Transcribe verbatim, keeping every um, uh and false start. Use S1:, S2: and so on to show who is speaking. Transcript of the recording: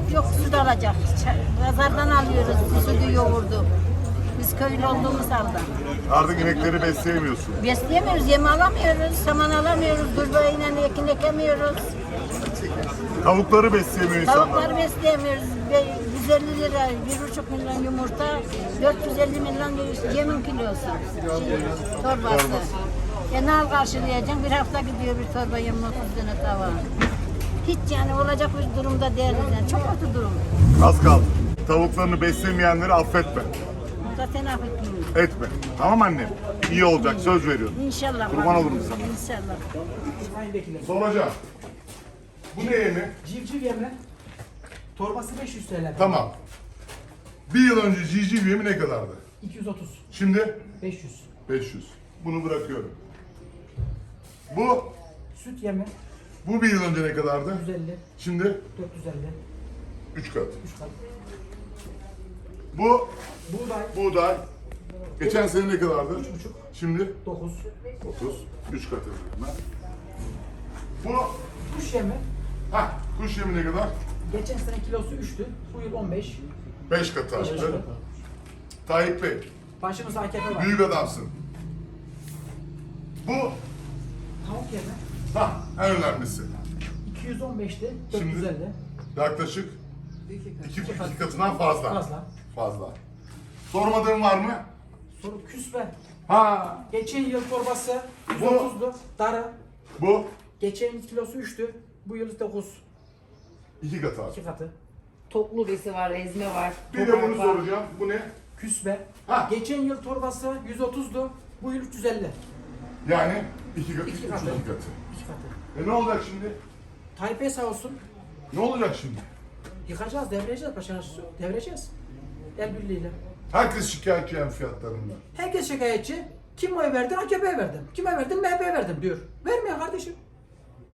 S1: yok süt alacak. Ç- Pazardan alıyoruz sütü yoğurdu. Biz köylü olduğumuz halde.
S2: Artık inekleri besleyemiyorsun.
S1: Besleyemiyoruz, yem alamıyoruz, saman alamıyoruz, durbayla ekin ekemiyoruz.
S2: Tavukları besleyemiyor insanlar.
S1: Tavukları besleyemiyoruz. Be- yüz elli lira, bir buçuk milyon yumurta, dört yüz elli milyon yemin kilosu, şey, torbası. E ne al karşılayacağım? Bir hafta gidiyor bir torba yemin otuz tane tava. Hiç yani olacak bir durumda değiliz yani. Çok kötü durum.
S2: Az kaldı. Tavuklarını beslemeyenleri affetme.
S1: Burada sen affetmiyorsun.
S2: Etme. Tamam annem. İyi olacak. Söz veriyorum.
S1: İnşallah.
S2: Kurban olurum sana.
S1: İnşallah.
S3: Sayın Vekilim.
S2: Soracağım. Bu ne yemi?
S3: Civciv yemi. Torbası beş yüz T L.
S2: Tamam. Bir yıl önce civciv yemi ne kadardı?
S3: iki yüz otuz.
S2: Şimdi
S3: beş yüz.
S2: beş yüz. Bunu bırakıyorum. Bu,
S3: Süt yemi.
S2: bu bir yıl önce ne kadardı?
S3: yüz elli.
S2: Şimdi
S3: dört yüz elli.
S2: üç kat.
S3: üç kat.
S2: Bu
S3: Buğday.
S2: buğday. Geçen sene ne kadardı?
S3: üç buçuk.
S2: Şimdi
S3: dokuz.
S2: otuz. üç kat yapıyorum ben. Bu,
S3: Kuş yemi.
S2: ha kuş yemi ne kadar?
S3: Geçen sene kilosu üçtü. Bu yıl on beş.
S2: beş katı
S3: beş
S2: arttı.
S3: kat.
S2: Tayyip Bey,
S3: Başımızda A K P var.
S2: büyük adamsın. Bu,
S3: Tavuk yemi.
S2: ha en önemlisi.
S3: iki yüz on beşti. dört yüz elli.
S2: Yaklaşık iki, iki katından fazla.
S3: Fazla.
S2: Fazla. Sormadığın var mı?
S3: Soru küspe.
S2: Ha,
S3: Geçen yıl torbası yüz
S2: Bu-
S3: otuzdu. Darı.
S2: bu
S3: Geçen yıl kilosu üçtü. Bu yıl dokuz.
S2: iki katı arttı.
S3: iki katı.
S4: Toplu besi var, ezme var.
S2: Bir de
S4: toprak
S2: bunu
S4: var.
S2: soracağım. Bu ne?
S3: Küspe.
S2: Ha.
S3: Geçen yıl torbası yüz otuzdu. Bu yıl üç yüz elli.
S2: Yani iki katı,
S3: İki
S2: üç
S3: katı.
S2: iki katı.
S3: iki katı.
S2: E ne olacak şimdi?
S3: Tayyip Bey sağ olsun.
S2: Ne olacak şimdi?
S3: Yıkacağız, devireceğiz başına. Devireceğiz. El birliğiyle.
S2: Herkes şikayetçi yani fiyatlarından.
S3: Herkes şikayetçi. Kim oy verdi? A K P'ye verdim. Kime verdim? M H P'ye verdim diyor. Vermiyor kardeşim.